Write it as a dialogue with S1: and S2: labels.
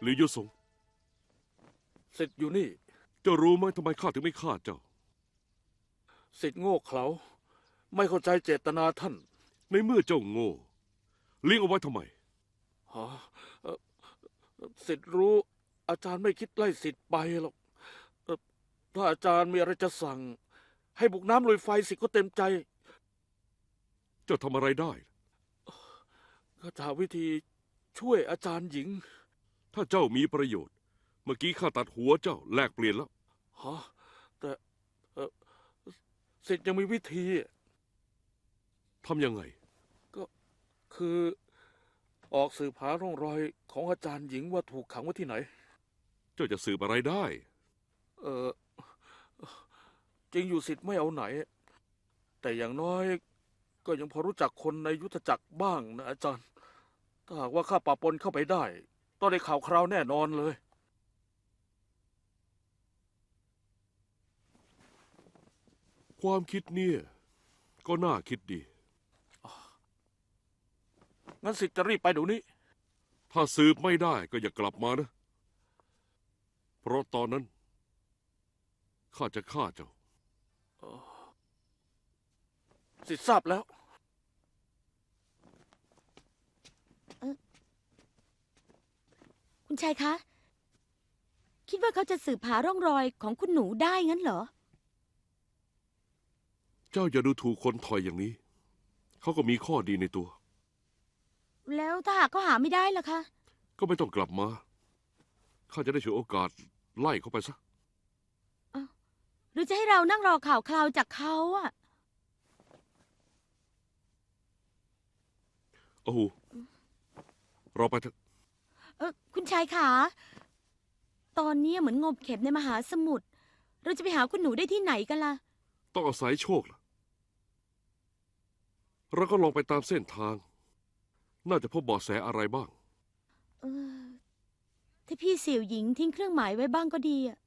S1: หรือยุสง
S2: สิทธิ์อยู่นี่
S1: เจ้ารู้ไหมทำไมข้าถึงไม่ฆ่าเจ้า
S2: สิทธิ์โง่เขลาไม่เข้าใจเจตนาท่าน
S1: ในเมื่อเจ้าโง่เลี้ยงเอาไว้ทำไม
S2: ฮะเอ่อสิทธิ์รู้อาจารย์ไม่คิดไล่สิทธิ์ไปหรอกถ้าอาจารย์มีอะไรจะสั่ง ให้บุกน้ำลุยไฟสิทธิ์ก็เต็มใจ
S1: เจ้าทำอะไรได้
S2: ก็จะหาวิธีช่วยอาจารย์หญิง
S1: ถ้าเจ้ามีประโยชน์เมื่อกี้ข้าตัดหัวเจ้าแลกเปลี่ยนแล้ว
S2: ฮะแต่เอ่อสิทธิ์ยังมีวิธี
S1: ทำยังไง
S2: ก็คือออกสืบหาร่องรอยของอาจารย์หญิงว่าถูกขังไว้ที่ไหน
S1: เจ้าจะสืบอะไรได้
S2: เออจริงอยู่สิทธิ์ไม่เอาไหน แต่อย่างน้อยก็ยังพอรู้จักคนในยุทธจักรบ้างนะอาจารย์ถ้าหากว่าข้าปะปนเข้าไปได้ต้องได้ข่าวคราวแน่นอนเลย
S1: ความคิดเนี่ยก็น่าคิดดี
S2: งั้นสิทธิ์จะรีบไปเดี๋ยวนี้
S1: ถ้าสืบไม่ได้ก็อย่ากลับมานะเพราะตอนนั้นข้าจะฆ่าเจ้า
S2: สิทธิ์ทราบแล้ว
S3: คุณชายคะ คิดว่าเขาจะสืบหาร่องรอยของคุณหนูได้งั้นเหรอ
S1: เจ้าอย่าดูถูกคนถอยอย่างนี้เขาก็มีข้อดีในตัว
S3: แล้วถ้าหากเขาหาไม่ได้ล่ะคะ
S1: ก็ไม่ต้องกลับมาข้าจะได้ฉวยโอกาสไล่เขาไปซะ
S3: หรือจะให้เรานั่งรอข่าวคราวจากเขาอะ
S1: โอ้โหเราไปเถอะ
S3: คุณชายขา ตอนนี้เหมือนงมเข็มในมหาสมุทร เราจะไปหาคุณหนูได้ที่ไหนกันล่ะ
S1: ต้องอาศัยโชคล่ะเราก็ลองไปตามเส้นทาง น่าจะพบเบาะแสอะไรบ้าง
S3: เออ ถ้าพี่เสี่ยวหญิงทิ้งเครื่องหมายไว้บ้างก็ดีอะ